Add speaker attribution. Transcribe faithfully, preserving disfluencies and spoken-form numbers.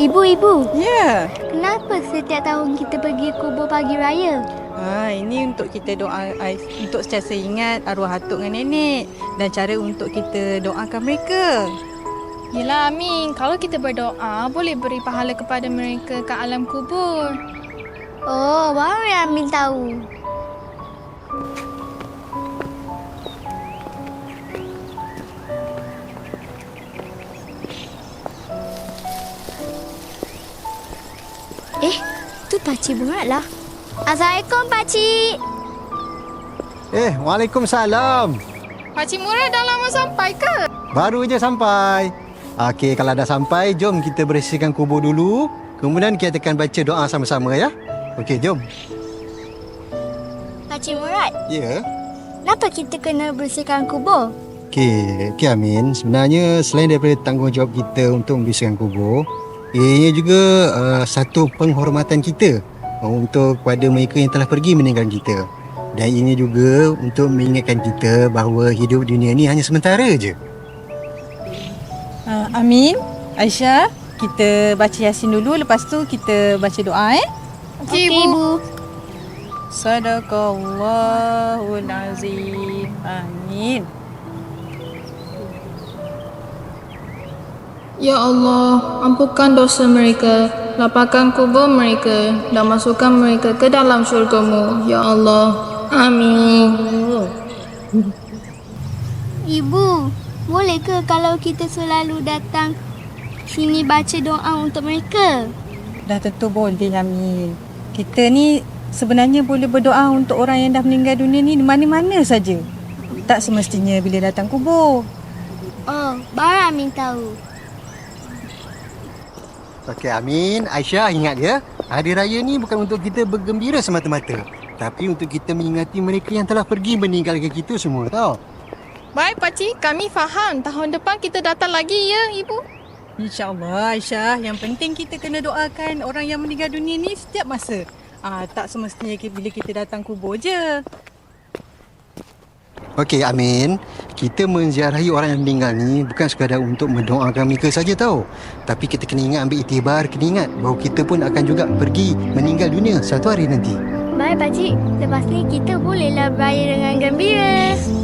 Speaker 1: Ibu-ibu,
Speaker 2: Ya.
Speaker 1: kenapa setiap tahun kita pergi kubur pagi raya?
Speaker 2: Ha, ini untuk kita doa, untuk sentiasa ingat arwah atuk dengan nenek dan cara untuk kita doakan mereka.
Speaker 3: Yelah Amin, kalau kita berdoa boleh beri pahala kepada mereka kat alam kubur.
Speaker 1: Oh, baru yang Amin tahu. Eh, tu Pakcik Murat lah. Assalamualaikum, Pakcik.
Speaker 4: Eh, Waalaikumsalam.
Speaker 3: Pakcik Murad dah lama sampai ke?
Speaker 4: Baru je sampai. Okey, kalau dah sampai, jom kita bersihkan kubur dulu. Kemudian kita akan baca doa sama-sama ya. Okey, jom.
Speaker 1: Pakcik Murat,
Speaker 4: Ya.
Speaker 1: kenapa kita kena bersihkan kubur?
Speaker 4: Okey, Okey Amin. Sebenarnya selain daripada tanggungjawab kita untuk membersihkan kubur, ianya juga uh, satu penghormatan kita uh, untuk kepada mereka yang telah pergi meninggalkan kita. Dan ini juga untuk mengingatkan kita bahawa hidup dunia ni hanya sementara je.
Speaker 2: Ha, Amin, Aisyah, kita baca Yasin dulu. Lepas tu kita baca doa eh.
Speaker 3: Okey,
Speaker 1: Okey,
Speaker 3: Ibu.
Speaker 2: Sadaqallahul azim. Amin.
Speaker 5: Ya Allah, ampunkan dosa mereka, lapangkan kubur mereka dan masukkan mereka ke dalam syurga-Mu. Ya Allah. Amin.
Speaker 1: Ibu, boleh ke kalau kita selalu datang sini baca doa untuk mereka?
Speaker 2: Dah tentu boleh Amin. Kita ni sebenarnya boleh berdoa untuk orang yang dah meninggal dunia ni di mana-mana saja. Tak semestinya bila datang kubur.
Speaker 1: Oh, baru Amin tahu.
Speaker 4: Okey Amin, Aisyah ingat ya, hari raya ni bukan untuk kita bergembira semata-mata, tapi untuk kita mengingati mereka yang telah pergi meninggalkan kita semua, tau.
Speaker 3: Baik Pakcik, kami faham. Tahun depan kita datang lagi ya Ibu.
Speaker 2: InsyaAllah Aisyah, yang penting kita kena doakan orang yang meninggal dunia ni setiap masa. Ah, tak semestinya bila kita datang kubur je.
Speaker 4: Okey Amin, kita menziarahi orang yang meninggal ni bukan sekadar untuk mendoakan mereka saja tau. Tapi kita kena ingat, ambil iktibar, kena ingat bahawa kita pun akan juga pergi meninggal dunia satu hari nanti.
Speaker 1: Baik, Pakcik. Lepas ni kita bolehlah beraya dengan gembira.